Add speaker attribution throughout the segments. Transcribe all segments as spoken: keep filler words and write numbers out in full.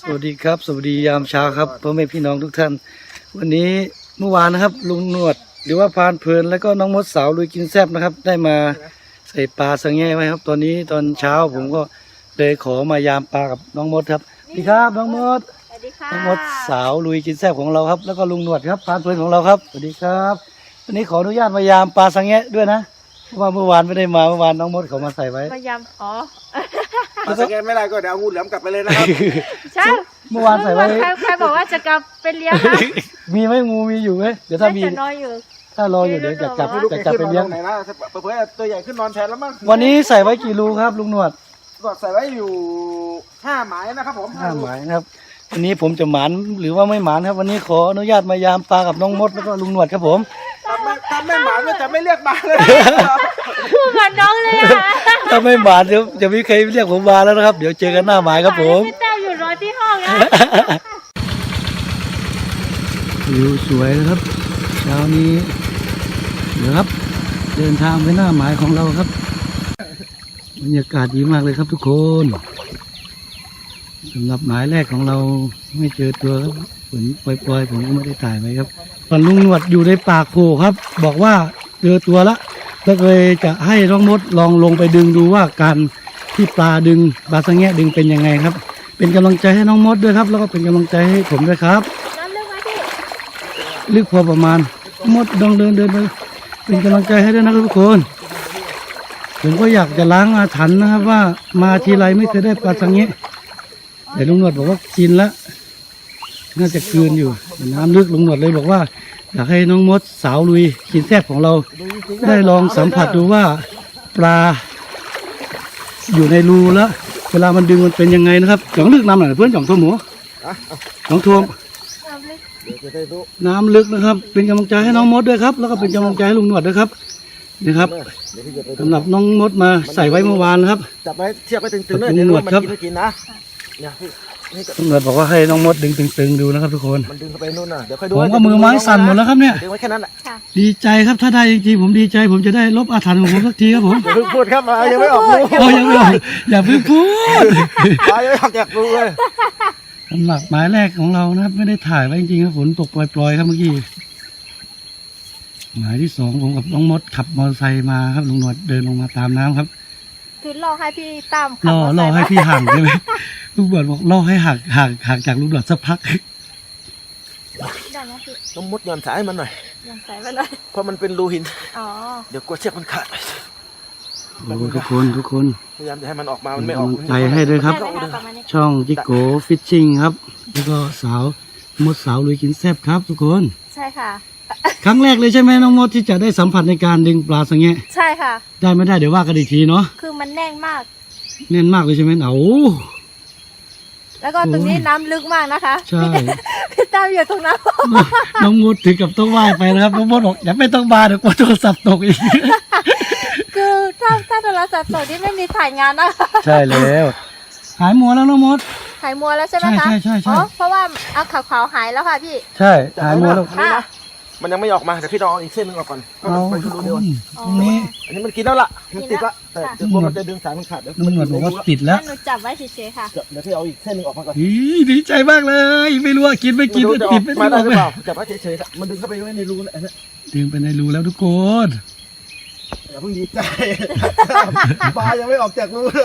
Speaker 1: วัสดีครับสวัสดียามเช้าครับพ่อแม่พี่น้องทุกท่านวันนี้เมื่อวานนะครับลุงหนวดหรือว่าพานเพลินแล้วก็น้องมดสาวลุยกินแซ่บนะครับได้มาใส่ปลาสังแง่ไว้ครับตอนนี้ตอนเช้าผมก็เลยขอมายามปลากับน้องมดครับสวัสดีครับน้องมด
Speaker 2: สวัสดีค่ะ
Speaker 1: น้องมดสาวลุยกินแซ่บของเราครับแล้วก็ลุงหนวดครับพานเพลินของเราครับสวัสดีครับวันนี้ขออนุญาตมายามปลาสังแง่ด้วยนะเพราะว่าเมื่อวานไม่ได้มาเมื่อวานน้องมดเขามาใส่ไว้
Speaker 2: พยายามอ๋อ
Speaker 3: ถ้าสแกนไม่ได้ก็เดี๋ยวเอางูเหลือมกลับไปเลยนะครับ
Speaker 2: ใช่
Speaker 1: เมื่อวานใส่ไว้
Speaker 2: ใครใครบอกว่าจะกลับไปเลี้ยงนะ
Speaker 1: มีไหมงูมีอยู่ไหมเดี๋ยวถ้ามี
Speaker 2: จะนอนอยู่
Speaker 1: ถ้ารออยู่เดี๋ยวจะกลับ
Speaker 3: ไม่รู้
Speaker 1: จะ
Speaker 3: แก
Speaker 1: กลับ
Speaker 3: ขึ้น
Speaker 1: ไป
Speaker 3: นอน
Speaker 1: เลี้ย
Speaker 3: ต
Speaker 1: ง
Speaker 3: รงไหนนะเผื่อๆตัวใหญ่ขึ้นนอนแทนแล้วมั้ง
Speaker 1: วันนี้ใส่ไว้กี่รูครับลุงหนวด
Speaker 3: ก็ใส่ไว้อยู่ห้าหมายนะครับผม
Speaker 1: ห้าหมายนะครับวันนี้ผมจะหมานหรือว่าไม่หมานครับ วันนี้ขออนุญาตมายามปลากับน้องมดแล้วก็ลุงหนวดครับผม
Speaker 3: ถ้าไม่ถ้าไม่หมายก็จะไม่เรียกมาเลย
Speaker 2: พูดเหมือนน้องเลยอ่ะ
Speaker 1: ถ้าไม่หมานเดี๋ยวจะมีใครเรียกผมมาแล้วนะครับ เดี๋ยวเจอกันหน้าหมายครับผม
Speaker 2: พี่แต้วอยู่รอที่ห้องนะ
Speaker 1: วิวสวยนะครับเช้านี้เดี๋ยวครับ เดินทางไปหน้าหมายของเราครับบรรยากาศดีมากเลยครับทุกคนสำหรับหมายแรกของเราไม่เจอตัวครับฝนปล่อยๆผมก็ไม่ได้ถ่ายไว้ครับตอนลุงหนวดอยู่ในปากโพครับ บอกว่าเจอตัวละแล้วเลยจะให้น้องมดลองลงไปดึงดูว่าการที่ปลาดึงปลาสังแงะดึงเป็นยังไงครับ เป็นกำลังใจให้น้องมดด้วยครับ แล้วก็เป็นกำลังใจให้ผมด้วยครับ
Speaker 2: น้ำลึกไหมพี่
Speaker 1: ลึกพอประมาณมดลองเดินเดินไปเป็นกำลังใจให้ด้วยนะครับทุกคนผมก็อยากจะล้างอาถรรพ์นะครับว่ามาทีไรไม่เคยได้ปลาสังแงะแต่ลุงหนวดบอกว่ากินแล้วน่าจะคืนอยู่น้ำลึกลุงหนวดเลยบอกว่าอยากให้น้องมดสาวลุยกินแซ่บของเราได้ลองสัมผัสดูว่าปลาอยู่ในรูแล้วเวลามันดึงมันเป็นยังไงนะครับจ่องลึกน้ำหน่อยเพื่อนจ่องทั่วหมูจ่องทั่ว
Speaker 2: น้ำลึก
Speaker 3: เดี๋ยวจะได้รู้
Speaker 1: น้ำลึกนะครับ เป็นกำลังใจให้น้องมดด้วยครับ แล้วก็เป็นกำลังใจให้ลุงหนวดด้วยครับนะครับ
Speaker 3: เดี๋ยวพี่จะไปดู
Speaker 1: สำหรับน้องมดมาใส่ไว้เมื่อวานนะครับ
Speaker 3: จับไว้เทียบไว้ตึงๆเลย
Speaker 1: ขอบคุณ
Speaker 3: เดี๋ยวรู้ว่ามัน
Speaker 1: ครับ
Speaker 3: กินไม่กินนะเนี่ยพี่นี่ก็
Speaker 1: ลุงหนวดบอกว่าให้น้องมดดึงตึงๆดูนะครับทุกคน
Speaker 3: มันดึงเข้าไปนู่นน่ะเดี๋ยวค่อยดู
Speaker 1: ผมก็มือไม้สั่นหมดแล้วครับเนี่ย
Speaker 3: ดึงไว้แค่นั้นแหละ
Speaker 2: ค่ะ
Speaker 1: ดีใจครับถ้าได้จริงๆผมดีใจ ผมจะได้ลบอาถรรพ์ของผมสักทีครับผม
Speaker 3: อย่าเพิ่งพูดครับมายังไม่ออกรู
Speaker 1: โอ้ยังไม่ออกอย่าเพิ่งพูด
Speaker 3: มายังไม่ออกจากรูเลย
Speaker 1: สำหรับหมายแรกของเรานะครับ ไม่ได้ถ่ายไว้จริงๆครับฝนตกปล่อยๆครับเมื่อกี้หมายที่สองผมกับน้องมดขับมอเตอร์ไซค์มาครับลุงหนวดเดินลงมาตามน้ำครับ
Speaker 2: คือรอให้พี่ตั้มขับ
Speaker 1: ล่อ
Speaker 2: มอเต
Speaker 1: ล่อ
Speaker 2: อร์ไซค์
Speaker 1: ให้พี่ห่างใช่ไหมลูกบอลบอกล่อให้ห่างห่างห่างจากลูกบอลสักพัก
Speaker 2: ได้ไหมพี่
Speaker 3: ต้องมุดหย่อนสายมันหน่อย
Speaker 2: ยังใส่ไว้เลย
Speaker 3: เพราะมันเป็นรูหิน
Speaker 2: อ๋อ
Speaker 3: เดี๋ยวกลัวเชือกมันขาด
Speaker 1: โอ้ทุกคนทุกคน
Speaker 3: พยายามจะให้มันออกมา
Speaker 1: เป็
Speaker 3: มัน นไม่
Speaker 1: กำ
Speaker 3: ออ
Speaker 1: ลั
Speaker 3: ก
Speaker 1: งใจให้ด้วยครับ
Speaker 2: ได้ไหมคะประมาณนี้
Speaker 1: ช่องจิโกฟิชชิ่งครับ แล้วก็สาวมดสาวลุยกินแซ่บครับ ทุกคน
Speaker 2: ใช่ค่ะ
Speaker 1: ครั้งแรกเลยใช่ไหมน้องมดที่จะได้สัมผัสในการดึงปลาสังแงะ
Speaker 2: ใช่ค่ะ
Speaker 1: ได้ไม่ได้เดี๋ยวว่ากันอีกทีเนาะ
Speaker 2: คือมันแน่นมาก
Speaker 1: แน่นมากเลยใช่ไหมเอา
Speaker 2: แล้วก็ตรงนี้น้ำลึกมากนะคะ
Speaker 1: ใช่
Speaker 2: พี่ตั้มอยู่ตรงนั้น
Speaker 1: น้องมดถึงกับต้องว่ายไปนะครับน้องมดบอกอย่าไม่ต้องมาเดี๋ยวกลัวโทรศัพท์ตกอีก
Speaker 2: คือถ้าถ้าโทรศัพท์สดนี่ไม่มีถ่ายงานนะคะ
Speaker 1: ใช่แล้วหายมัวแล้วน้องมด
Speaker 2: หายมัวแล้วใช่ไหมคะ
Speaker 1: ใช่ใช่ใช่ใช่
Speaker 2: อ๋อเพราะว่าเอาขาวๆหายแล้วค่ะพี่
Speaker 1: ใช่หายมัวแล้ว
Speaker 2: ค่ะ
Speaker 3: มันยังไม่ออกมาเดี๋ยวพี่ลองเอาอีกเส้นหนึงออกก่อนก็
Speaker 1: เอา
Speaker 3: ไป
Speaker 1: ทุ
Speaker 3: ดู
Speaker 1: ก
Speaker 3: รู
Speaker 1: ค
Speaker 3: เดียวน
Speaker 1: ตรงนี้
Speaker 3: อันนี้มันกินแล้วล่ะมันติดละแต่เดี๋ยวกลัวมันจะดึงสายมันขาดเดี๋ยว
Speaker 1: ลุงหนวดบอกว่าติดแล้ว
Speaker 2: งั้นหนูจับไว้เฉยๆค่ะ
Speaker 3: เดี๋ยวพี่เอาอีกเส้นหนึงออกมาก่อน
Speaker 1: อีดีใจมากเลย ไม่รู้ว่ากินไม่กิน
Speaker 3: ไม่
Speaker 1: ไม่
Speaker 3: รู้จะอ
Speaker 1: ติ
Speaker 3: อ
Speaker 1: ด
Speaker 3: ก
Speaker 1: ไม่
Speaker 3: มา
Speaker 1: ติด
Speaker 3: ได้หรือเปล่าจับไว้เฉยๆมันดึงเข้าไปไว้ในรูนั่นแหละ
Speaker 1: ดึงไปในรูแล้วทุกคน
Speaker 3: อย่าเพิ่งดีใจ ปลายังไม่ออกจากรูเลย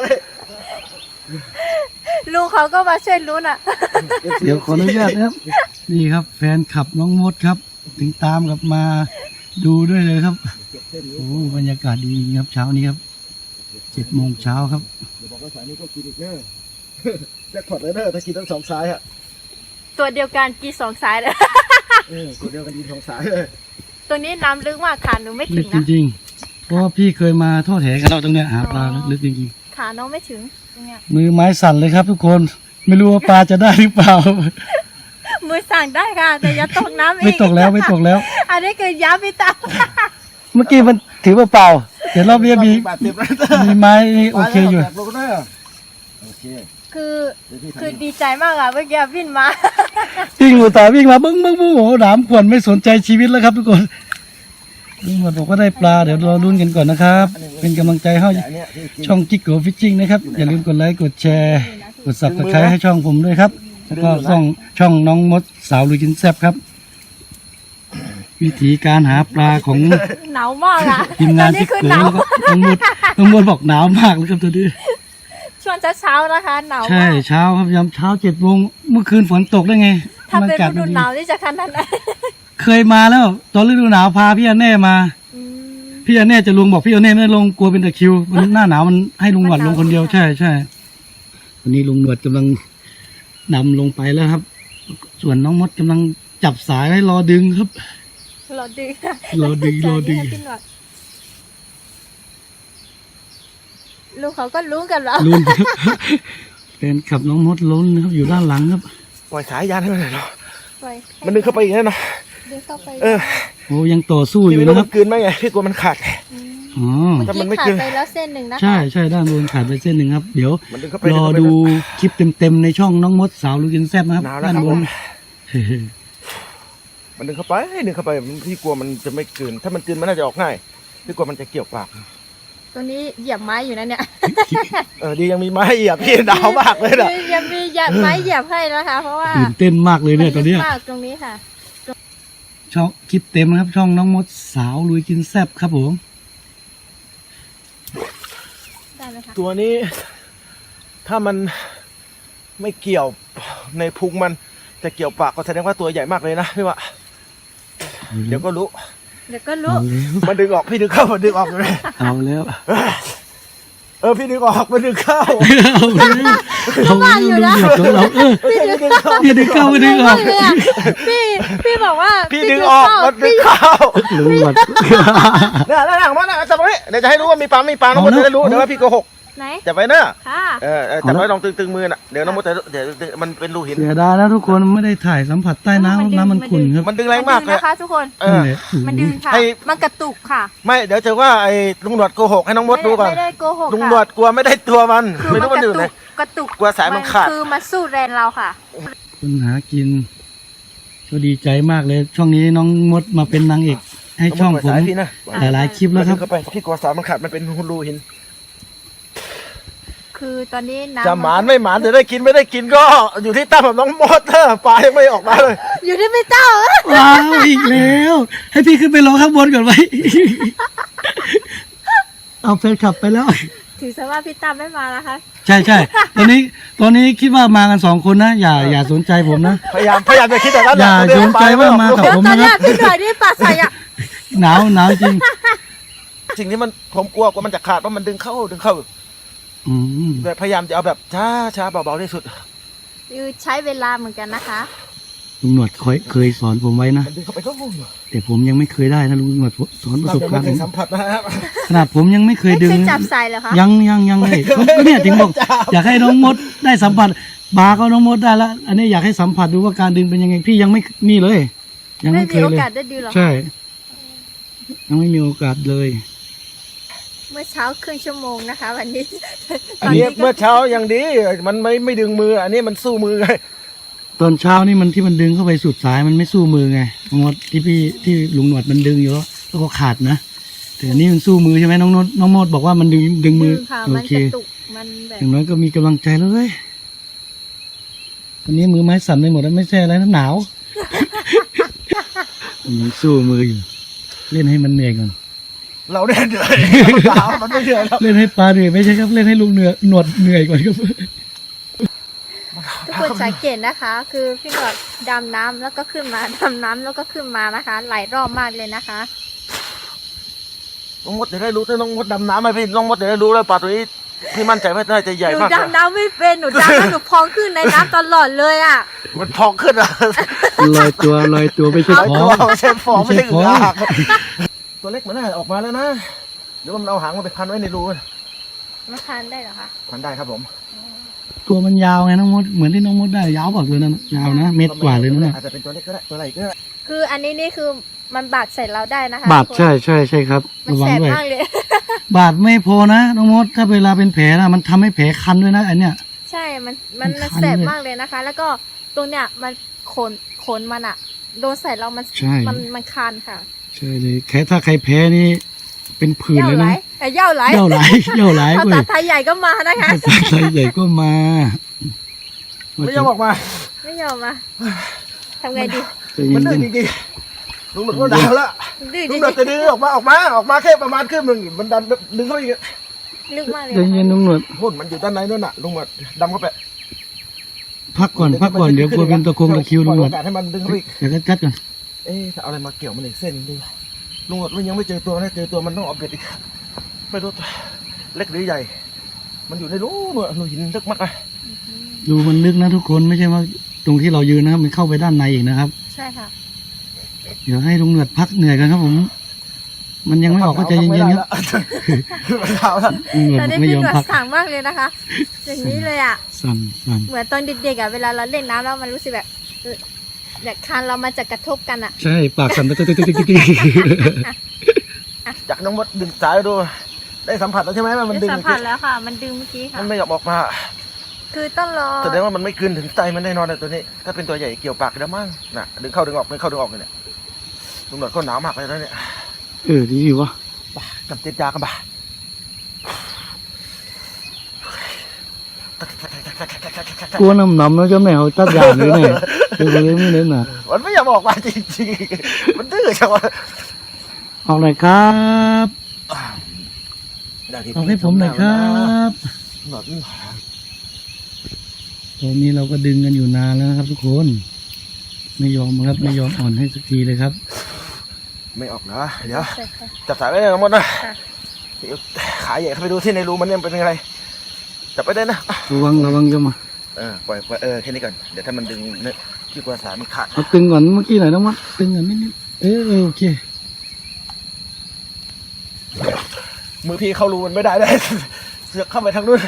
Speaker 2: ลุงเขาก็มาช่วยลุ้นอ่ะ
Speaker 1: เดี๋ยวขออนุญาตนะครับ นี่ครับ แฟนขับน้องมดครับ ถึงตามกลับมาดูด้วยเลยครับโอ้บรรยากาศดีจริงครับเช้านี้ครับเจ็ดโมงเช้าครับ
Speaker 3: เดี๋ยวบอกว่าสายนี้ก็กินอีกเด้อแจ็คพอตเลยเด้อถ้ากินทั้งสองสายฮะ
Speaker 2: ตัวเดียวกันกีสองสายเลย
Speaker 3: เออตัวเดียวกันกินสองสายเลย
Speaker 2: ตัวนี้น้ำลึกมากขาหนูไม่
Speaker 1: ลึ
Speaker 2: ถึ
Speaker 1: ก
Speaker 2: ง
Speaker 1: จ
Speaker 2: นะ
Speaker 1: ริงๆ เพราะว่าพี่เคยมาทอดแหกันเราตรงเนี้ยหาปลาลึกจริง
Speaker 2: ขาน้องไม่ถึงตรงเนี้ย
Speaker 1: ๆ มือไม้สั่นเลยครับทุกคน ไม่รู้ว่าปลาจะได้หรือเปล่า
Speaker 2: มือสั่งได้ค่ะ แต่อย่าตกน้ำอีก
Speaker 1: ไม่ตกแล้วไม่ตกแล้ว
Speaker 2: อันนี้คือย้ำพี่ตา
Speaker 1: เมื่อกี้มันถือว่าเปล่าเดี๋ยวรอบนี้มี
Speaker 3: บาดเจ็บแล้ว
Speaker 1: มีไม้นี่โอเคอยู่
Speaker 3: ปลายังไม่กจากรูเด้อโอเค
Speaker 2: คือ
Speaker 3: เดี๋ยวพี่ทำ
Speaker 2: คือดีใจมากอ่ะเมื่อกี้วิ่งมา
Speaker 1: วิ่งอยู่ต่อวิ่งมาบึ้งบึ้งบึ้งโอ้โหหนามขวนไม่สนใจชีวิตแล้วครับทุกคนลุงหมดบอกว่าได้ปลาเดี๋ยวเราลุ้นกันก่อนนะครับ เป็นกำลังใจให้
Speaker 3: แต่อันเนี้ยที่กิน
Speaker 1: ช่องจิกโกฟิชชิ่งนะครับอย่าลืมกดไลค์กดแชร์กดซับสไครต์ให้ช่องผมด้วยครับสแล้วก็ช่องช่องน้องมดสาวลุยกินแซ่บครับ วิธีการหาปลาของ
Speaker 2: หนาวมากอ่ะ
Speaker 1: ทีมงาน
Speaker 2: ตอ
Speaker 1: ที่
Speaker 2: คือ
Speaker 1: เกิด
Speaker 2: หนาว
Speaker 1: น้องมดน้องมดบอกหนาวมากเลยครับตัวนี้
Speaker 2: ช่วงเช้าๆนะคะหนาว
Speaker 1: ใช่
Speaker 2: มาก
Speaker 1: เช้าครับยามเช้าเจ็ดโมงเมื่อคืนฝนตกได้ไง
Speaker 2: ถ้าเป็น
Speaker 1: อากาศ
Speaker 2: ฤดูหนาวนี่จะขนาดไหน
Speaker 1: เคยมาแล้ว ตอนฤดูหนาวพาพี่อันแน่มา
Speaker 2: อืม
Speaker 1: พี่อันแน่จะลงบอกพี่อันแน่ไม่ได้ลงกลัวเป็นตะคริวมันหน้าหนาวมันให้ลุงหนวดลงคนเดียวใช่ใช่วันนี้ลุงหนวดกำลังนำลงไปแล้วครับ ส่วนน้องมดกำลังจับสายให้รอดึงครับ
Speaker 2: รอดึง
Speaker 1: รอดึงรอดึง
Speaker 2: ให้พี่หนวดลูกเขาก็รู้กันแล้ว
Speaker 1: ลุ้นครับแฟนขับน้องมดล้นนะครับอยู่ด้านหลังครับ
Speaker 3: ปล่อยสายยานให้มันหน่อยเนาะ
Speaker 2: ปล่อยให้
Speaker 3: มันดึงเข้าไปอีกแล้วเนาะ
Speaker 2: ดึงเข้าไป
Speaker 3: เออ
Speaker 1: โอ้ยังต่อสู้อ
Speaker 3: พี่
Speaker 1: ยู่
Speaker 3: ไม่รู้
Speaker 1: นะค
Speaker 3: มั
Speaker 1: รับ
Speaker 3: นกลืนไหมไงพี่กลัวมันขาด
Speaker 2: ม
Speaker 1: อ๋อ
Speaker 3: ถ้ามัน
Speaker 2: ที่
Speaker 3: ไม่
Speaker 2: ขา
Speaker 3: กิ
Speaker 2: ด
Speaker 3: น
Speaker 2: ไปแล้วเส้นหนึ่งนะคะ
Speaker 1: ใช่ใช่ด้านบนขาดไปเส้นหนึ่งครับ เดี๋ยว
Speaker 3: มันดึงเข้าไป
Speaker 1: รอดูคลิปเต็มๆในช่องน้องมดสาวลุยกินแซ่บนะครับ
Speaker 3: หนาวแล้ว
Speaker 1: ด้าน
Speaker 3: ครับ
Speaker 1: บ
Speaker 3: ผ
Speaker 1: น
Speaker 3: มมันดึงเข้าไปดึงเข้าไปมันพี่กลัวมันจะไม่กลืนถ้ามันกลืนมันน่าจะออกง่ายพี่กลัวมันจะเกี่ยวปาก
Speaker 2: ตัวนี้เหยียบไม้อยู่นะเนี่ย
Speaker 3: เออดียังมีไม้เหยียบพี่หนาวมากเลยนะ
Speaker 2: ยังมีเหยียบไม้เหยียบให้นะคะ เพราะว่า
Speaker 1: ตื่นเต้นมากเลยเนี่ยตอนเนี้ย
Speaker 2: มากตรงนี้ค่ะ
Speaker 1: ช่องคลิปเต็มนะครับ ช่องน้องมดสาวลุยกินแซ่บครับผม
Speaker 2: ได้ไหมคะ
Speaker 3: ตัวนี้ ถ้ามันไม่เกี่ยวในพุงมันจะเกี่ยวปากก็แสดงว่าตัวใหญ่มากเลยนะพี่ว่าเดี๋ยวก็รู้
Speaker 2: เดี๋ยวก็รู้
Speaker 1: เอาแล้ว
Speaker 3: มันดึงออกพี่ดึงเข้ามันดึงออกเลย
Speaker 1: เอาแล้ว
Speaker 3: เออพี่ดึงออกมันดึงเข้า
Speaker 1: เอาแล้วเอาแล้วลุงหนวดของเราเออ
Speaker 3: พี่ดึงเข้า
Speaker 1: อย่าดึงเข้าไม่ดึงออก
Speaker 2: เลยอะพี่พี่บอกว่า
Speaker 3: พี่ดึงออกมันดึงเข้า
Speaker 1: ลุงหนวด
Speaker 3: เนี่ยนั่นหลังมันนะจับไว้เดี๋ยวจะให้รู้ว่ามีปลาไม่มีปลาน้องมด
Speaker 1: เอานะ
Speaker 3: จะได้รู้เดี๋ยวว่าพี่โกหก
Speaker 2: ไหน
Speaker 3: จับไว้เนอะ
Speaker 2: ค่ะ
Speaker 3: เออเออจับไว้ลองตึงๆมือน่ะเดี๋ยวน้องมดจะเดี๋ยวมันเป็นรูหิน
Speaker 1: เสียดายแล้วทุกคนไม่ได้ถ่ายสัมผัสใต้น้ำน้ำมันขุ่นครับ
Speaker 3: มันดึงแรงมากเลย
Speaker 2: นะคะ ทุกคน
Speaker 3: เออ
Speaker 1: นั่นแหละ
Speaker 2: มันดึงค่ะ
Speaker 3: ให้
Speaker 2: มันกระตุกค่ะ
Speaker 3: ไม่เดี๋ยวจะว่าไอ้ลุงหนวดโกหกให้น้องมดดูก่อน
Speaker 2: ไม่ได้โกหก
Speaker 3: ลุง
Speaker 2: ค่ะ
Speaker 3: หนวดกลัวไม่ได้ตัวมัน
Speaker 2: คือ
Speaker 3: ไม่
Speaker 2: มัน
Speaker 3: รู้มัน
Speaker 2: ก
Speaker 3: อยู่
Speaker 2: ระ
Speaker 3: ไหน
Speaker 2: ตุกกระตุก
Speaker 3: กลัวสายมันขาด
Speaker 2: คือมาสู้แรงเราค่ะ
Speaker 1: คนหากินก็ดีใจมากเลย ช่วงนี้น้องมดมาเป็นนางเอกให้ช่องผม
Speaker 3: สายพี่นะ
Speaker 1: หลายๆคลิปแล้วครับ
Speaker 3: เข้าไปพี่กลัวสายมันขาดมันเป็นรูหิน
Speaker 2: คือตอนนี้น้ำ
Speaker 3: จะหมานไม่หมานจะได้กินไม่ได้กินก็อยู่ที่ตั้มกับน้องมดเถอะปลายังไม่ออกมาเลย
Speaker 2: อยู่ที่พี่เต้า
Speaker 1: ว้าวอีกแล้ว ให้พี่ขึ้นไปรอข้างบนก่อนไหม เอาแฟนขับไปแล้ว
Speaker 2: ถือซะว่าพี่ตั้มไม่มานะคะ
Speaker 1: ใช่ใช่ตอนนี้ตอนนี้คิดว่ามากันสองคนนะ อย่าอย่าสนใจผมนะ
Speaker 3: พยายามพยายามจะคิดแต่ละ
Speaker 1: อย่าสนใจว่ามากับ
Speaker 2: เดี๋ยว
Speaker 1: ผม
Speaker 2: ตอน
Speaker 1: นะ
Speaker 2: แร
Speaker 1: ครั
Speaker 2: ก
Speaker 1: บ
Speaker 2: พี่หน่อยนี่ปลาใสอ่ะ
Speaker 1: หนาวหนาวจริง
Speaker 3: สิ่งที่มันผมกลัวกว่ามันจะขาดเพราะมันดึงเข้าดึงเข้า
Speaker 1: อืม
Speaker 3: แบบพยายามจะเอาแบบช้าช้าเบาๆที่สุด
Speaker 2: คือใช้เวลาเหมือนกันนะคะ
Speaker 1: ลุงหนวดเคยเคยสอนผมไว้นะ
Speaker 3: มันดึงเข้าไปก็งง
Speaker 1: แต่ผมยังไม่เคยได้นะลุงหนวดสอนประ
Speaker 3: เรา
Speaker 1: สบ
Speaker 3: จะ
Speaker 1: การ
Speaker 3: ไม่
Speaker 1: ณ์
Speaker 3: เค
Speaker 1: ผม
Speaker 3: ยสัมผัสนะครับ
Speaker 1: ขนาดผมยังไม่เคย
Speaker 2: ไม่
Speaker 1: ดึง
Speaker 2: เคยจับใส่เหรอคะ
Speaker 1: ยังยังยังเลยก็เนี่ยถึงบอก
Speaker 3: จับ
Speaker 1: อยากให้น้องมดได้สัมผัสบาร์ก็น้องมดได้แล้ว อันนี้อยากให้สัมผัสดูว่าการดึงเป็นยังไงพี่ยังไม่มีเลย ยัง
Speaker 2: ไม่
Speaker 1: ไม่เค
Speaker 2: มี
Speaker 1: ย
Speaker 2: โอ
Speaker 1: เลย
Speaker 2: กาสได้ดูหรอคะ
Speaker 1: ใช่ ยังไม่มีโอกาสเลย
Speaker 2: เมื่อเช้าครึ่งชั่วโมงนะคะ วันนี้
Speaker 3: อันนี้เมื่อเช้ายังดี มันไม่ไม่ดึงมือ อันนี้มันสู้มือไง
Speaker 1: ตอนเช้านี่มันที่มันดึงเข้าไปสุดสายมันไม่สู้มือไงน้องมดที่พี่ที่ลุงหนวดมันดึงอยู่แล้วก็ขาดนะแต่อันนี้มันสู้มือใช่ไหมน้องมดน้องมดบอกว่ามันดึงดึงมือ
Speaker 2: ดึงค่ะ
Speaker 1: โอ
Speaker 2: มัน
Speaker 1: เค
Speaker 2: กระตุกมันแบบ
Speaker 1: อย่างน้อยก็มีกำลังใจแล้วเว้ยวันนี้มือไม้สั่นไปหมดแล้วไม่ใช่อะไรนะหนาว มันยังสู้มืออยู่ เล่นให้มันเหนื่อยก่อน
Speaker 3: เราเนี่ยเหนื่อยสาวมันไม่เหนื่อยแล้ว
Speaker 1: เล่นให้ปลาเหนื่อยไม่ใช่ครับเล่นให้ลุงเหนื่อยหนวดเหนื่อยก่อนครับ
Speaker 2: ทุกคนสังเกตนะคะ คือพี่หนวดดำน้ำแล้วก็ขึ้นมาดำน้ำแล้วก็ขึ้นมานะคะ หลายรอบมากเลยนะคะ
Speaker 3: น้องมดจะได้รู้ถ้าน้องมดดำน้ำไหมพี่น้องมดจะได้รู้เลยปลาตัวนี้พี่มั่นใจว่าน่าจะใหญ่
Speaker 2: หนู
Speaker 3: มากเลย
Speaker 2: ดำน้ำไม่เป็นหนูดำแล้วหนูพองขึ้นในน้ำตลอดเลยอ่ะ
Speaker 3: มันพองขึ้นอะ
Speaker 1: ลอยตัวลอยตัวไม่ใช่
Speaker 3: ไอ้
Speaker 1: ขอ
Speaker 3: ตัวไม่ใช่ฟอง
Speaker 1: ไม่
Speaker 3: ไม่
Speaker 1: ใช่
Speaker 3: ใช่อึ่ง
Speaker 1: ฟอง
Speaker 3: อ่างตัวเล็กมันน่าออกมาแล้วนะเดี๋ยวมันเอาหางมันไปพันไว้ในรูมัน
Speaker 2: มาทานได้เหรอคะ
Speaker 3: พันได้ครับผม
Speaker 1: ตัวมันยาวไงน้องมดเหมือนที่น้องมดได้ยาวบอกเลยนะยาวนะเมตรกว่าเลยนะเนี่ย
Speaker 3: อาจจะเป็นตัวเล็กก็ได้ตัวอะไรก็ได้
Speaker 2: คืออันนี้นี่คือมันบาดใส่เราได้นะคะ
Speaker 1: บาด
Speaker 2: ทุกคน
Speaker 1: ใช่ใช่ใช่ครับ
Speaker 2: มัน
Speaker 1: ระวั
Speaker 2: แส
Speaker 1: ง
Speaker 2: บ
Speaker 1: ด้วย
Speaker 2: มากเลย
Speaker 1: บาดไม่พอนะน้องมดถ้าเวลาเป็นแผลนะมันทำให้แผลคันด้วยนะอันเนี้ย
Speaker 2: ใช่ มัน มัน
Speaker 1: มันคัน
Speaker 2: แสบ
Speaker 1: เลย
Speaker 2: มากเลยนะคะ แล้วก็ตรงเนี้ยมันขน ขนมันอะโดนใส่เรา มัน
Speaker 1: ใช่
Speaker 2: มัน มันคันค่ะ
Speaker 1: ใช่เลยแค่ถ้าใครแพ้นี่เป็นผื่น
Speaker 2: เย่า
Speaker 1: เลย
Speaker 2: ไหล
Speaker 1: นะ
Speaker 2: เอ้ยเย่าไหล
Speaker 1: เย่าไหลเย่าไหล
Speaker 2: ภา
Speaker 1: เว้
Speaker 2: ษาย ไทยใหญ่ก็มานะคะ
Speaker 1: ภาษาไทยใหญ่ก็มา
Speaker 3: ไม่ยอมออกมา
Speaker 2: ไม่ไม่ยอมมาทำไงดี
Speaker 1: ใจเย็
Speaker 3: มัน
Speaker 1: น
Speaker 3: ดื้อจริงๆลุงหนวดก็ด่าแล้ว
Speaker 2: ดื้อจ
Speaker 3: ลุ
Speaker 2: ริ
Speaker 3: ง
Speaker 2: ง
Speaker 3: หนวดจะดึงออกมาออกมาออกมาแค่ประมาณครึ่งหนึ่งมันดันดึงเข้าไปอีก
Speaker 2: ๆลึกมากเลย
Speaker 1: ใจเย็น
Speaker 2: นะคะ
Speaker 1: ลุงหนวด
Speaker 3: หุ่นมันอยู่ด้านในนู่นน่ะลุงหนวดดำเข้าไป
Speaker 1: พักก่อนพักก่อนเดี๋ยวกลัวเป็นตะคงตะคริวลุงหนวด
Speaker 3: โอกาสให้มันดึงเข้าไปอีก
Speaker 1: เดี๋ยวก็จัดก่อน
Speaker 3: เอ๊ะถ้าเอาอะไรมาเกี่ยวมันอีกเส้นดีลุงหนวดมันยังไม่เจอตัวนะเจอตัวมันต้องเอาเบ็ดอีกไม่รู้ตัวเล็กหรือใหญ่ มันอยู่ในรูหนวดรูหินลึกมากนะ
Speaker 1: ดูมันลึกนะทุกคนไม่ใช่ว่าตรงที่เรายืนนะครับมันเข้าไปด้านในอีกนะครับ
Speaker 2: ใช่ค่ะ
Speaker 1: เดี๋ยวให้ลุงหนวดพักเหนื่อยกันครับผม มันยังไม่ออกก็ใจเย็นๆครับ
Speaker 3: มันหนาวแล้ว
Speaker 1: ลุงหนวด
Speaker 2: ตอน
Speaker 1: บอก
Speaker 2: นี้
Speaker 1: ไม่
Speaker 2: พี่
Speaker 1: ยอม
Speaker 2: หนวด
Speaker 1: พัก
Speaker 2: สั่งมากเลยนะคะ อย่างนี้เลยอ่ะ
Speaker 1: สั่นสั่น
Speaker 2: เหมือนตอนเด็กๆอ่ะเวลาเราเล่นน้ำแล้วมันรู้สึกแบบเออแบบคานเรามันจะกระทบกันอ่ะ
Speaker 1: ใช่ปากสั่นติ๊กติ๊กติ๊กติ๊กติ๊ก
Speaker 3: จากน้องมดดึงสายดูได้สัมผัสแล้วใช่ไหมว่ามันดึง
Speaker 2: สัมผัสแล้วค่ะ มันดึงเมื่อกี้ค่ะ
Speaker 3: มันไม่ยอมออกมา
Speaker 2: คือต้องรอ
Speaker 3: แสดงว่ามันไม่คืนถึงใจมันแน่นอนเลยตัวนี้ ถ้าเป็นตัวใหญ่เกี่ยวปากแล้วมั้งน่ะดึงเข้าดึงออกดึงเข้าดึงออกเลยเนี่ยลุงหนวดก็หนาวมากเลยนะเนี่ย
Speaker 1: เออดีอยู่วะ
Speaker 3: บ้ากับเจ็ดยากันบ้า
Speaker 1: กลัวน้ำหนำแล้วเจ้าแม่เขาตัดยางเลยเนี่ยเดี๋ยวเลยไม่เล่นน่ะ
Speaker 3: มันไม่ยอมออกมาจริงๆมันดื้อจังวะ
Speaker 1: ออกหน่อยครับออกให้ผมหน่อยครับ
Speaker 3: หนวด
Speaker 1: ตอนนี้เราก็ดึงกันอยู่นานแล้วนะครับ ทุกคนไม่ยอมครับไม่ยอมอ่อนให้สักทีเลยครับ
Speaker 3: ไม่ออกนะเดี๋ยว
Speaker 2: ใช่ค่ะ
Speaker 3: จับสายไว้เลยทั้งหมดนะ
Speaker 2: ค่ะ
Speaker 3: เดี๋ยวขาใหญ่เข้าไปดูที่ในรูมันเนี่ยเป็นยังไงจับไปได้นะ
Speaker 1: ระวังระวังจะมา
Speaker 3: เออปล่อยปล่อยเออแค่นี้ก่อนเดี๋ยวถ้ามันดึงเนี่ยที่กว่าสายมันขาด
Speaker 1: เอาตึงก่อนเมื่อกี้หน่อยนะมัดตึงก่อนนิดนิดเออเออโอเค
Speaker 3: มือพี่เข้ารูมันไม่ได้เลย เสือกเข้าไปทางนู้น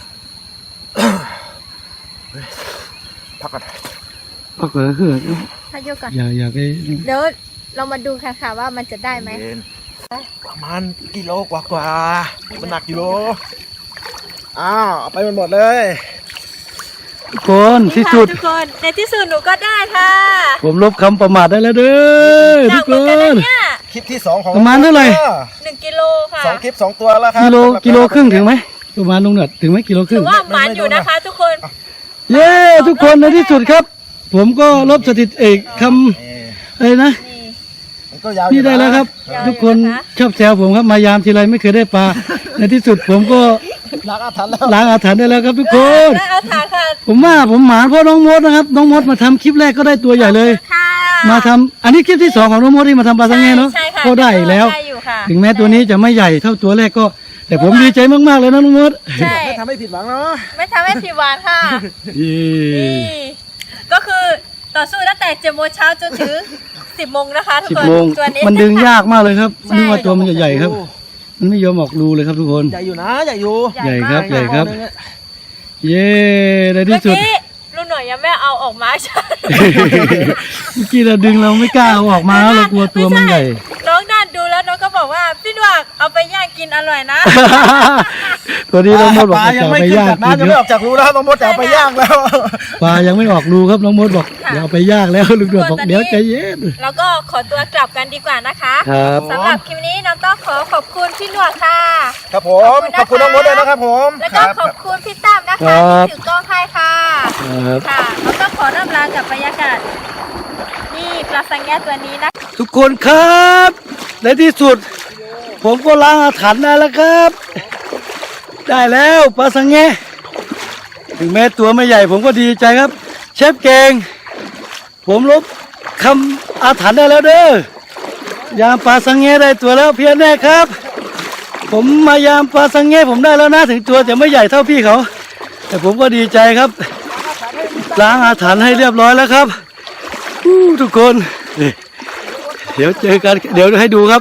Speaker 3: เฮ้ยพักก่อน
Speaker 1: พักก่อนนะคือ
Speaker 2: ถ้ายกก่อน
Speaker 1: อย่าอย่าไป
Speaker 2: เดี๋ยวเรามาดูกันค่ะว่ามันจะได้ไหม
Speaker 3: เย็นประมาณกิโลกว่ากว่ามันหนักกิโลอ้าวเอาไปมันหมดเลย
Speaker 1: ทุกคนที่สุด
Speaker 2: ทุกคนในที่สุดหนูก็ได้ค่ะ
Speaker 1: ผมลบคำประมาทได้แล้วเด้อ
Speaker 2: หนั
Speaker 1: ทุ
Speaker 2: ก
Speaker 1: ก
Speaker 2: เหมือน
Speaker 1: ค
Speaker 2: กันนะ
Speaker 1: น
Speaker 2: เนี่ย
Speaker 3: คลิปที่สองของ
Speaker 1: ประมาณเท่าไหร่
Speaker 2: หนึ่งกิโลค่ะ
Speaker 3: สองคลิปสองตัวแล้วครับ
Speaker 1: กิโลกิโลครึ่งถึงไหมประมาณลงหนวดถึงไหมกิโลค
Speaker 2: ถื
Speaker 1: รึ่
Speaker 2: อง ว่ามันอยู่นะคะ ทุกคน
Speaker 1: เย้ทุกคนในที่สุดครับ ผมก็ลบสถิติเอกค
Speaker 3: เอ่อ
Speaker 1: ำอะไรนะ
Speaker 2: นี่
Speaker 3: มันก็ยาวอ
Speaker 1: นี่
Speaker 3: ยู่ะ
Speaker 1: ได้แล้วครับ
Speaker 2: ยาวอยู่
Speaker 1: ทุกคน
Speaker 2: นะคะ
Speaker 1: ชอบแซวผมครับมายามทีไรไม่เคยได้ปลา ในที่สุดผมก็
Speaker 3: ล้างอาถรรพ์แล้ว
Speaker 1: ล้างอาถรรพ์ได้แล้วครับทุกคน
Speaker 2: ได้เอาถาค่ะ
Speaker 1: ผมว่าผมหมานเพราะน้องมดนะครับ น้องมดมาทำคลิปแรกก็ได้ตัวใหญ่เลย
Speaker 2: ค่ะ
Speaker 1: มาทำอันนี้คลิปที่สองของน้องมดที่มาทำปลาสังเงเนาะ
Speaker 2: ใช่ค่ะ
Speaker 1: ก็ได้อีกแล้ว
Speaker 2: ได้อยู่ค่ะ
Speaker 1: ถึงแม้ตัวนี้จะไม่ใหญ่เท่าตัวแรกก็ แต่ผมดีใจมากๆเลยนะน้องมด
Speaker 2: ใช่
Speaker 3: ไม่ทำให้ผิดหวังเนาะ
Speaker 2: ไม่ทำให้ผิดหวังค่ะ
Speaker 1: เย้
Speaker 2: นี่ก็คือต่อสู้ตั้งแต่เจ็ดโมงเช้าจนถึงสิบโมงนะคะทุก
Speaker 1: สิบ
Speaker 2: คน
Speaker 1: โมง
Speaker 2: ตัวนี้
Speaker 1: มันดึงยากมากเลยครับ
Speaker 2: ใช่
Speaker 1: นึกว่าตัวมันจะใหญ่ครับ มันไม่ยอมออกรูเลยครับทุกคน
Speaker 3: ใหญ่อยู่นะใหญ่อยู่
Speaker 1: ใหญ่ครับ
Speaker 2: มาก
Speaker 1: ใหญ่ครับ
Speaker 3: หนึ่งอะ
Speaker 1: เย้ใน
Speaker 2: เมื่
Speaker 1: ที่
Speaker 2: อ
Speaker 1: สุด
Speaker 2: กี้ลุงหน่อยยังไม่เอาออกมาใช่
Speaker 1: เมื่อกี้เราดึงเราไม่กล้าเอาออกมาแล้วเรากลัวตัวมันใหญ่
Speaker 2: น้องนั่นดูแล้วน้องก็บอกว่าพี่ดวกเอาไปย่างกินอร่อยนะ
Speaker 1: ตัวนี้น้องมดบอก
Speaker 3: ปลา
Speaker 1: จะ
Speaker 3: ยัง
Speaker 1: เอา
Speaker 3: ไม่
Speaker 1: ไป
Speaker 3: ขึ้น
Speaker 1: ย่าง
Speaker 3: จาก
Speaker 1: กิน
Speaker 3: น้ำยัง
Speaker 1: ค
Speaker 3: ไม่อ
Speaker 1: รั
Speaker 3: อบ กจากรูแล้วต้องมดแต่เอาไปย่างแล้ว
Speaker 1: ปลายังไม่ออกรูครับน้องมดบอก
Speaker 2: ค่ะ
Speaker 1: เดี๋ยวเอาไปย่างแล้วลุงดวดบอกเดี๋ยวใจเย็น
Speaker 2: แล้วก็ขอตัวกลับกันดีกว่านะคะ
Speaker 1: ครับ
Speaker 2: สำหรับคลิปนี้น้องต้องขอขอบคุณพี่หนวดค่ะ
Speaker 3: ครับผมขอบคุณน้องมดด้วยนะครับผม
Speaker 2: แล้วก็ขอบคุณพี่ตั้มนะคะที่ถือกล้องให้ค่ะ
Speaker 1: ครับ
Speaker 2: ค่ะแล้วก็ขอร่ำลากับบรรยากาศนี่ปลาสังแงตัวนี้นะ
Speaker 1: ทุกคนครับในที่สุด ผมก็ล้างอาถรรพ์ได้แล้วครับ ได้แล้วปลาสังเงถึงแม้ตัวไม่ใหญ่ผมก็ดีใจครับ เชฟเก่งผมลบคำอาถรรพ์ได้แล้วเด้อยามปลาสังเงได้ตัวแล้วเพียรแน่ครับ ผมมายามปลาสังเงผมได้แล้วนะถึงตัวจะไม่ใหญ่เท่าพี่เขา แต่ผมก็ดีใจครับ ล้างอาถรรพ์ให้เรียบร้อยแล้วครับอู้ทุกคนนี่เดี๋ยวเจอกันเดี๋ยวให้ดูครับ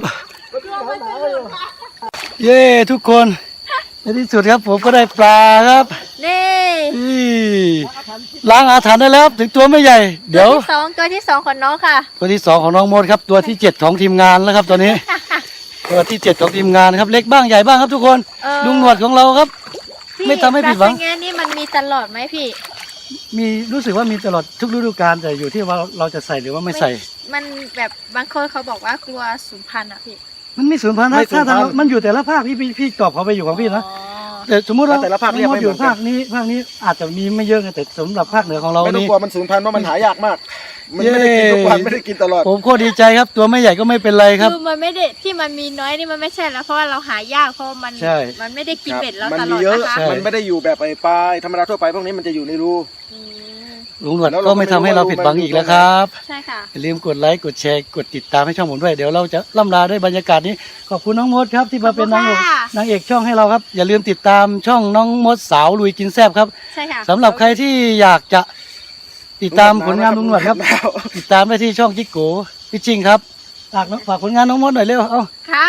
Speaker 1: เย้ทุกคนในที่สุดครับผมก็ได้ปลาครับ
Speaker 2: นี่
Speaker 1: นี่ล้างอาถรรพ์ได้แล้วครับถึงตัวไม่ใหญ่ เดี๋ยว
Speaker 2: ตัวที่สองตัวที่สองของน้องค่ะ
Speaker 1: ตัวที่สองของน้องมดครับ ตัวที่เจ็ดของทีมงานแล้วครับตอนนี้ ตัวที่เจ็ดของทีมงานครับเล็กบ้างใหญ่บ้างครับทุกคน
Speaker 2: เออ
Speaker 1: ลุงหนวดของเราครับ
Speaker 2: พี่
Speaker 1: ไม่ทำให้ผิดหวัง
Speaker 2: ปลาสังแงนี่มันมีตลอดไหมพี่
Speaker 1: มีรู้สึกว่ามีตลอดทุกฤดูกาลแต่อยู่ที่ว่าเราจะใส่หรือว่าไม่ใส่
Speaker 2: มันแบบบางคนเขาบอกว่ากลัวสูญพันธุ์อ่ะพี่
Speaker 1: มันไม่สูญพันธุ์นะ
Speaker 3: ไม่สู
Speaker 1: ถ้า
Speaker 3: ญพันธุ์
Speaker 1: ทางมันอยู่แต่ละภาคพี่พี่พี่ตอบเขาไปอยู่ของพี่นะ
Speaker 2: อ๋อ
Speaker 1: แต่สมมติเรา
Speaker 3: แต่ละภาคเรียก
Speaker 1: น้องม
Speaker 3: ไม่
Speaker 1: ด
Speaker 3: เห
Speaker 1: อ
Speaker 3: มื
Speaker 1: ยู่
Speaker 3: อนกัน
Speaker 1: ภาคนี้ภาคนี้อาจจะมีไม่เยอะไงแต่สำหรับภาคเหนือของเรา
Speaker 3: ไม่ต้อง
Speaker 1: นี่
Speaker 3: กลัวมันสูญพันธุ์เพราะมันหายากมาก มันไม่ได้กินทุกวันไม่ได้กินตลอด
Speaker 1: ผมโคตรดีใจครับ ตัวไม่ใหญ่ก็ไม่เป็นไรครับ
Speaker 2: คือมันไม่ได้ที่มันมีน้อยนี่มันไม่ใช่แล้วเพราะว่าเราหายากเพราะมัน
Speaker 1: ใช่
Speaker 2: มันไม่ได้กินเบ็ดแล้ว
Speaker 3: มัน
Speaker 2: ตล
Speaker 3: มี
Speaker 2: อด
Speaker 3: เยอะ
Speaker 2: นะคะ
Speaker 1: ใช่
Speaker 3: มันไม่ได้อยู่แบบไอ้ปลาธรรมดาทั่วไปพวกนี้มันจะอยู่ในรู
Speaker 2: อืม
Speaker 1: ลุงหนวด
Speaker 3: แล้วเรา
Speaker 1: ก็ไม่ทำให้เราผิดหวังอีกแล้วครับ
Speaker 2: ใช่ค่ะ
Speaker 1: อย่าลืมกดไลค์กดแชร์กดติดตามให้ช่องผมด้วยเดี๋ยวเราจะล่ำลาด้วยบรรยากาศนี้ขอบคุณน้องมดครับที่มาเป็นนางเอก
Speaker 2: ขอบคุณค่ะ
Speaker 1: นางเอกช่องให้เราครับ อย่าลืมติดตามช่องน้องมดสาวลุยกินแซ่บครับ
Speaker 2: ใช่ค่ะ
Speaker 1: สำหรับใครที่อยากจะติดตามผลงานลุงหนวดครับ ติดตามได้ที่ช่องจิกโกพี่จริงครับฝากน้องฝากผลงานน้องมดหน่อยเร็วเอ้า
Speaker 2: ครับ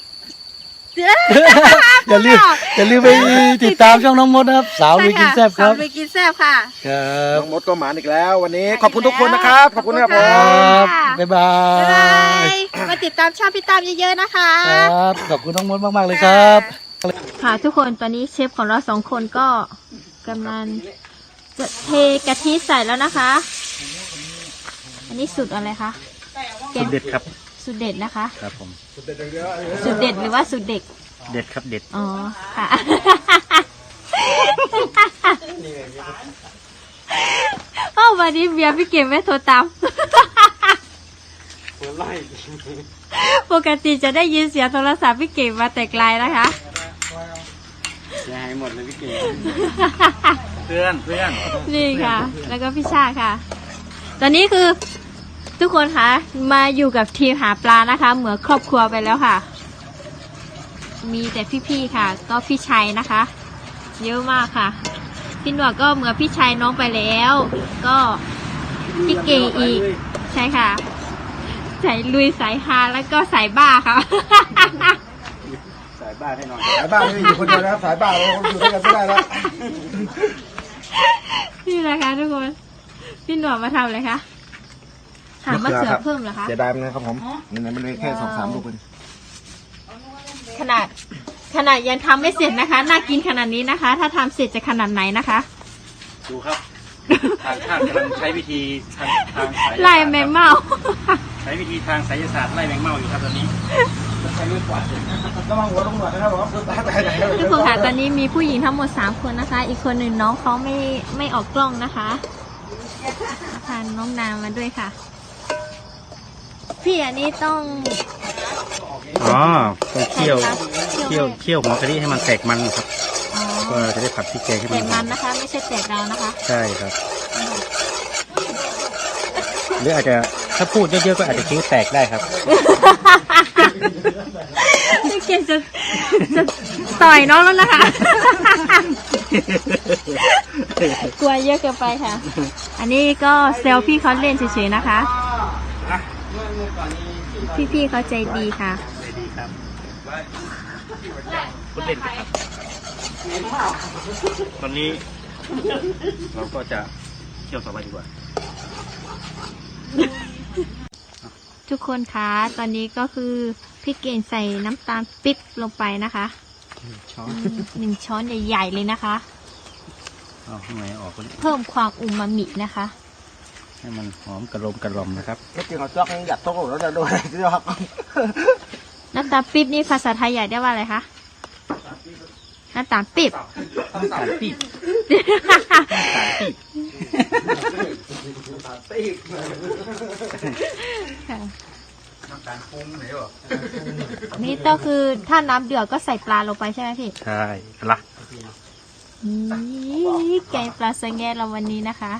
Speaker 1: อย่าลืมอย่าลืมไปติดตามช่องน้องมดนะครับสาวลุยกินแซ่บครับ
Speaker 2: สาวลุยกินแซ่บค่ะ
Speaker 1: ครับ
Speaker 3: น้องมดก็หมานอีกแล้ว วันนี้ขอบคุณทุกคนนะครับ ขอบคุณนะครับผ
Speaker 2: ขอบ
Speaker 1: ค
Speaker 2: คุณ
Speaker 1: รั
Speaker 2: ค่ะ
Speaker 1: บบ๊ายบา
Speaker 2: บ๊ายบาย ยมาติดตามช่องพี่ตามเยอะๆนะคะ
Speaker 1: ครับขอบคุณน้องมดมากๆเลยครับ
Speaker 2: ค่ะทุกคนตอนนี้เชฟของเราสองคนก็กำลังจะเทกะทิใส่แล้วนะคะ อันนี้สูตรอะไรคะ
Speaker 4: สุดเด็ดครับ
Speaker 2: สูตรเด็ดนะคะ
Speaker 4: ครับผม
Speaker 2: สูตรเด็ดหรือว่าสูตรเด็ก
Speaker 4: เด็ดครับเด็ด
Speaker 2: อ๋อ ค่ะ เอ้าวันนี้เบียร์พี่เก่งไม่โทรตาม ปกติจะได้ยินเสียงโทรศัพท์พี่เก่งมาแต่ไกลนะคะ
Speaker 4: เสียหายหมดเลยพี่เก่ง เพื่อนเพื่อน
Speaker 2: นี่ค่ะ แล้วก็พี่ชาค่ะ ตอนนี้คือทุกคนคะมาอยู่กับทีมหาปลานะคะ เหมือนครอบครัวไปแล้วค่ะ มีแต่พี่ๆค่ะ ก็พี่ชัยนะคะ เยอะมากค่ะ พี่หนวดก็เหมือนพี่ชัยน้องไปแล้ว ก็พี่เก่งอีก ใช่ค่ะสายลุยสายฮาแล้วก็สายบ้าค่ะ
Speaker 4: สายบ้าให้หน่อย
Speaker 3: สายบ้าไม่ได้อยู่คนเดียวนะครับสายบ้าเราอยู่ด้วยกันไม่ได้แล้ว
Speaker 2: นี่แหละค่ะทุกคน พี่หนวดมาทำอะไรคะหามะเขือเพิ่มเหรอคะ
Speaker 3: เสียดายมันนะครับผมนี่มันเป็นแค่สองสามลูกเอง
Speaker 2: ขนาดขนาดยังทำไม่เสร็จนะคะ น่ากินขนาดนี้นะคะ ถ้าทำเสร็จจะขนาดไหนนะคะ
Speaker 4: ดูครับ ทางชาติกำลังใช้วิธีทางทางสาย
Speaker 2: ไล่แมงเม่า
Speaker 4: ใช้วิธีทางไสยศาสตร์ไล่แมงเม่าอยู่ครับตอนนี้
Speaker 3: ระวังหัวลงหนวดนะครับผมตาตายไหน
Speaker 2: ทุกคนค่ะตอนนี้มีผู้หญิงทั้งหมดสามคนนะคะ อีกคนหนึ่งน้องเขาไม่ไม่ออกกล้องนะคะพาน้องนามมาด้วยค่ะ พี่อันนี้ต้อง
Speaker 4: อ๋อต้องเคี่ยว
Speaker 2: เคี่
Speaker 4: เคี่
Speaker 2: ย
Speaker 4: ยว วเคี่ยวหัวกะทิให้มันแตกมันครับ
Speaker 2: อ๋อ
Speaker 4: ก็จะได้ผัดพริกแกงให้
Speaker 2: แต
Speaker 4: มัน
Speaker 2: กมันนะคะ ไม่ใช่แตกดาวนะคะ
Speaker 4: ใช่ครับ หรืออาจจะถ้าพูดเยอะๆก็อาจจะคิ้วแตกได้ครับ
Speaker 2: พี่เกณฑ์จะจะต่อยน้องแล้วนะคะ กลัวเยอะเกินไปค่ะ อันนี้ก็เซลพี่เขาเล่นเฉยๆนะคะ พี่ๆเขาใจดีค่ะ
Speaker 4: ดีครับพูดเล่นครับ ตอนนี้ เราก็จะเคี่ยวต่อไปดีกว่า
Speaker 2: ทุกคนคะตอนนี้ก็คือพี่เก่งใส่น้ำตาลปิ๊บลงไปนะคะ
Speaker 4: ช้อน
Speaker 2: อืมหนึ่งช้อนใหญ่ๆเลยนะคะ
Speaker 4: เอาข้างในออกก็ได้
Speaker 2: เพิ่มความอูมามินะคะ
Speaker 4: ให้มันหอมกระลมกระลอมนะครับ
Speaker 3: ไม่จริงเอาจอกยังหยัดโต๊ะแล้วจะโดนอะไรจอก
Speaker 2: น้ำตาลปิ๊บนี่ภาษาไทยใหญ่ได้ว่าอะไรคะน้ำตาลปิ๊บ
Speaker 4: สารปีบสารปีบ
Speaker 2: ค่ะ
Speaker 4: น้ำตาลปรุงไหนวะ
Speaker 2: นี่ก็คือถ้าน้ำเดือดก็ใส่ปลาลงไปใช่ไหมพี่
Speaker 4: ใช่ละ
Speaker 2: นี่แกงปลาสะแงเราวันนี้นะคะ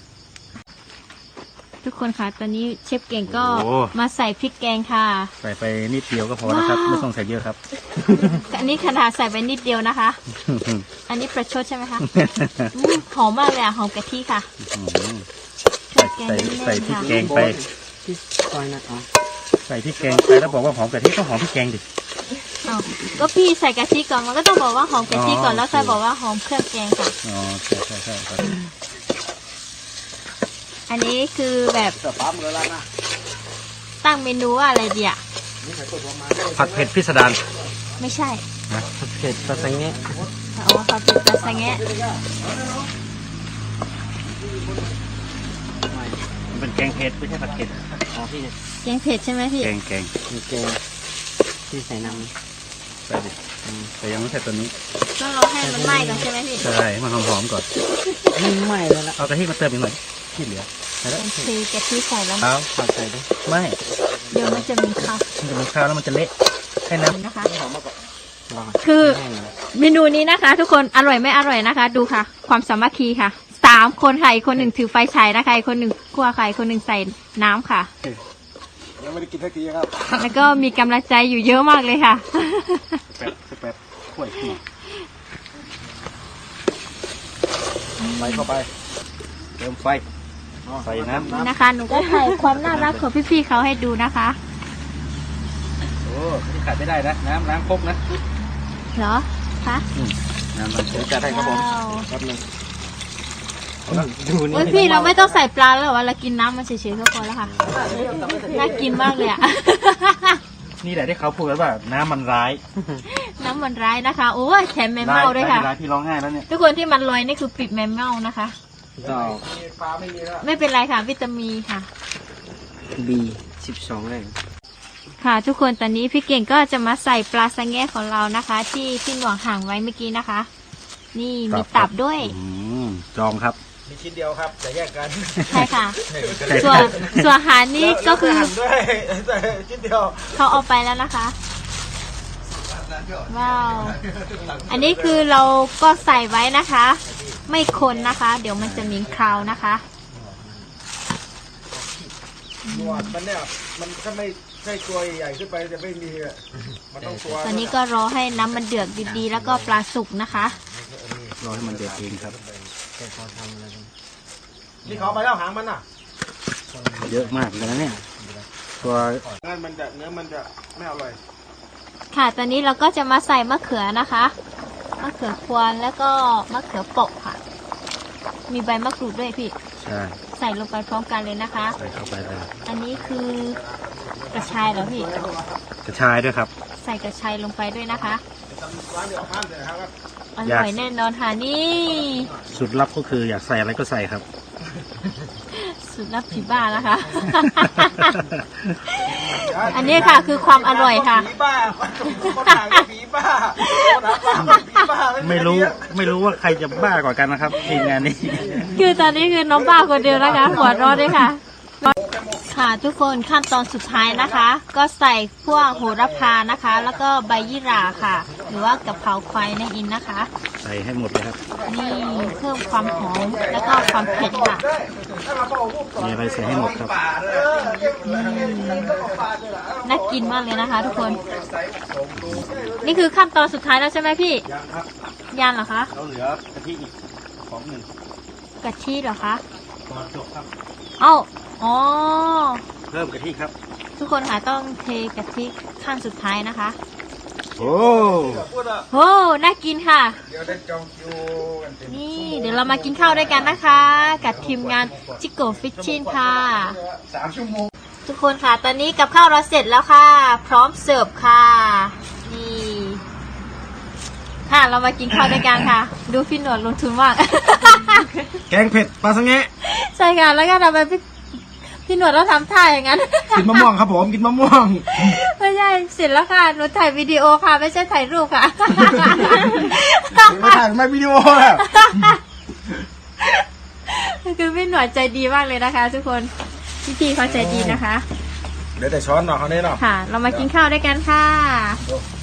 Speaker 2: ทุกคนค่ะตอนนี้เชฟเก่งก็มาใส่พริกแกงค่ะ
Speaker 4: ใส่ไปนิดเดียวก็พอนะครับ
Speaker 2: ว้าว
Speaker 4: ไม่ต้องใส่เยอะครับ
Speaker 2: อันนี้ขนาดใส่ไปนิดเดียวนะคะ อันนี้ประชดใช่ไหมคะอืมหอมมากเลยอะหอมกะทิค่ะ
Speaker 4: ใส่ใส่ใส่พริกแกงไปใส่พริกแกงไปแล้วบอกว่าหอมกะทิก็หอมพริกแกงดิ
Speaker 2: อ้าวก็พี่ใส่กะทิก่อนมันก็ต้องบอกว่าหอมกะทิก่อน
Speaker 4: อ๋อ
Speaker 2: แล้วค่อยบอกว่าหอมเครื่องแกงค่ะ
Speaker 4: อ๋อใช่ใช่ใช่ครับ
Speaker 2: อันนี้คือแบบ
Speaker 3: เสือปั๊มเลยละนะ
Speaker 2: ตั้งเมนูว่าอะไรดีอะ
Speaker 4: ผัดเผ็ดพิสดาร
Speaker 2: ไม่ใช่
Speaker 4: นะผัดเผ็ดปลาสังเงะ
Speaker 2: อ๋อผัดเผ็ดปลาสะแงะ
Speaker 4: มันเป็นแกงเผ็ดไม่ใช่ผัดเผ็ดอ๋อพี่
Speaker 2: แกงเผ็ดใช่ไหมพี่
Speaker 4: แกงแกง
Speaker 5: แกงที่ใส่น้ำ
Speaker 4: ใส่ดิแต่ยังไม่ใส่ตัวนี้
Speaker 2: ต้องรอให้มันไหม้ก่อนใช่ไหมพี่
Speaker 4: ใช่ให้มันหอมๆก่อน
Speaker 1: ไม่เลยละ
Speaker 4: เอากะทิมาเติมอีกหน่อยที่เหลือใส่แล้ว
Speaker 2: เทกะทิใส่แล้ว
Speaker 4: เอาผักใส่ด้วยไม่
Speaker 2: เดี๋ยวมันจะมีข้าว
Speaker 4: มันจะมีข้าวแล้วมันจะเละให้น้ำ
Speaker 2: นะคะ คือเมนูนี้นะคะ ทุกคนอร่อยไม่อร่อยนะคะ ดูค่ะ ความสามัคคีค่ะสามคนค่ะอีกคนหนึ่งถือไฟฉายนะคะอีกคนหนึ่งคั่วไข่คนหนึ่งใส่น้ำค่ะ
Speaker 3: ยังไม่ได้กินสักทีครับ
Speaker 2: แล้วก็มีกำลังใจอยู่เยอะมากเลยค่ะ
Speaker 4: แป๊บแป๊บข่วยขึ้น
Speaker 3: ไปเข้าไป
Speaker 4: เติมไฟใส่น้ำ
Speaker 2: นี่นะคะ หนูก็ใส่ความน่ารักของพี่ๆเขาให้ดูนะคะ
Speaker 4: โอ้ที่ขาดไม่ได้นะน้ำล้างครกนะ
Speaker 2: เหรอคะ
Speaker 4: น้ำมันเชื้อจัดให้ครับผม
Speaker 2: ว้าว
Speaker 4: แป๊บนึงดูนี่
Speaker 2: โอ้ยพี่เราไม่ต้องใส่ปลาแล้วเหรอวะเรากินน้ำมันเฉยๆก็พอแล้วค่ะน่ากินมากเลยอะ
Speaker 4: นี่แหละที่เขาพูดกันว่าน้ำมันร้าย
Speaker 2: น้ำมันร้ายนะคะ โอ้ยแถมแมมเมาด้วยค่ะ
Speaker 4: ร้ายพี่ร้องไห้แล้วเนี่ย
Speaker 2: ทุกคนที่มันลอยนี่คือปิดแมมเมานะคะ
Speaker 4: ต่อ
Speaker 3: ปลาไม่มีแล้ว
Speaker 2: ไม่เป็นไรค่ะ วิตามินค่ะ
Speaker 4: บีสิบสองเลย
Speaker 2: ค่ะ ทุกคนตอนนี้พี่เก่งก็จะมาใส่ปลาสังแงของเรานะคะ ที่ที่หน่วงห่างไว้เมื่อกี้นะคะ นี่มีตับด้วย
Speaker 4: อืมจองครับ
Speaker 3: มีชิ้นเดียวครับแต่แยกกัน
Speaker 2: ใช่ค่ะ ส่วนส่วนอาหารนี่ก็คือ
Speaker 3: แล้วด้วยแต่ชิ้นเดียว
Speaker 2: เขาเอาไปแล้วนะคะ ว้าว อันนี้คือเราก็ใส่ไว้นะคะ ไม่คนนะคะ เดี๋ยวมันจะมีคราวนะคะ
Speaker 3: หนวดมันเนี่ยมันถ้าไม่ใช่ตัวใหญ่ขึ้นไปจะไม่มีอะมันต้องตัว
Speaker 2: ตอนนี้ก็รอให้น้ำมันเดือดดีๆแล้วก็ปลาสุกนะคะ
Speaker 4: รอให้มันเดือดเองครับ
Speaker 3: นี่เขาเอาไปแล้วหางมันอ่ะ
Speaker 4: เยอะมากเลยนะเนี่ยตัว
Speaker 3: งั้นมันจะเนื้อมันจะไม่อร่อย
Speaker 2: ค่ะ ตอนนี้เราก็จะมาใส่มะเขือนะคะ มะเขือพวงแล้วก็มะเขือเปาะค่ะ มีใบมะกรูดด้วยพี่
Speaker 4: ใช่
Speaker 2: ใส่ลงไปพร้อมกันเลยนะคะ
Speaker 4: ใส่เข้าไปเลย
Speaker 2: อันนี้คือกระชายเหรอพี่
Speaker 4: กระชายด้วยครับ
Speaker 2: ใส่กระชายลงไปด้วยนะคะ
Speaker 3: ร้านเดียวข้ามเลยครับ
Speaker 2: อร่อยแน่นอนค่ะนี่
Speaker 4: สูตรลับก็คืออยากใส่อะไรก็ใส่ครับ
Speaker 2: สุดลับผีบ้านะคะ อันนี้ค่ะคือความอร่อยค่ะ
Speaker 3: ผีบ้าคนหางก็ผีบ้าคนหางก็ผีบ้า
Speaker 4: ไม่รู้ไม่รู้ว่าใครจะบ้ากว่ากันนะครับทีมงานนี้
Speaker 2: คือตอนนี้คือน้องบ้าคนเดียวนะคะ หัวเร้อนด้วยค่ะ ค่ะทุกคนขั้นตอนสุดท้ายนะคะ ก็ใส่พวกโหระพานะคะ แล้วก็ใบยี่หร่าค่ะ หรือว่ากะเพราควายนั่นเองนะคะ
Speaker 4: ใส่ให้หมดเลยครับ
Speaker 2: นี่เพิ่มความหอมแล้วก็ความเผ็ดค่ะ
Speaker 4: มีอะไรใส่ให้หมดครับ
Speaker 2: น่ากินมากเลยนะคะ ทุกคน นี่คือขั้นตอนสุดท้ายแล้วใช่ไหมพี่
Speaker 3: ยังครับ
Speaker 2: ยันเหรอคะ
Speaker 4: เราเหลือกะทิอีกของหนึ่ง
Speaker 2: กะทิเหรอคะ
Speaker 4: ตอนจบครับ
Speaker 2: เอ้าอ๋อ
Speaker 4: เพิ่มกะทิครับ
Speaker 2: ทุกคนค่ะต้องเทกะทิขั้นสุดท้ายนะคะ
Speaker 4: โอ้
Speaker 3: พูดอ่ะ
Speaker 2: โอ้น่ากินค่ะ
Speaker 3: เดี๋ยวได้จองคิวกันเต็ม
Speaker 2: นี่เดี๋ยวเรามากินข้าวด้วยกันนะคะ กับทีมงานจิโกฟิชชินค่ะ
Speaker 3: สามชั่วโมง
Speaker 2: ทุกคนค่ะ ตอนนี้กับข้าวเราเสร็จแล้วค่ะ พร้อมเสิร์ฟค่ะ นี่ ค่ะเรามากินข้าวด้วยกันค่ะ ดูพี่หนวดลงทุนมาก
Speaker 3: แกงเผ็ดปลาสังเงะ
Speaker 2: ใช่ค่ะแล้วก็ทำไมพี่พี่หนวดเราทำท่าอย่างนั้น
Speaker 3: กินมะม่วงครับผมกินมะม่วง
Speaker 2: ไม่ใช่เสร็จแล้วค่ะหนูถ่ายวิดีโอค่ะ ไม่ใช่ถ่ายรูปค่ะ
Speaker 3: ไม่ถ่ายไม่วิดีโอแล้ว
Speaker 2: คือพี่หนวดใจดีมากเลยนะคะ ทุกคนพี่พี่เขาใจดีนะคะ
Speaker 3: เดี๋ยวแต่ช้อนหน่อยเขาเนี่ยเนาะ
Speaker 2: ค่ะ เรามากินข้าวด้วยกันค่ะ
Speaker 3: ดู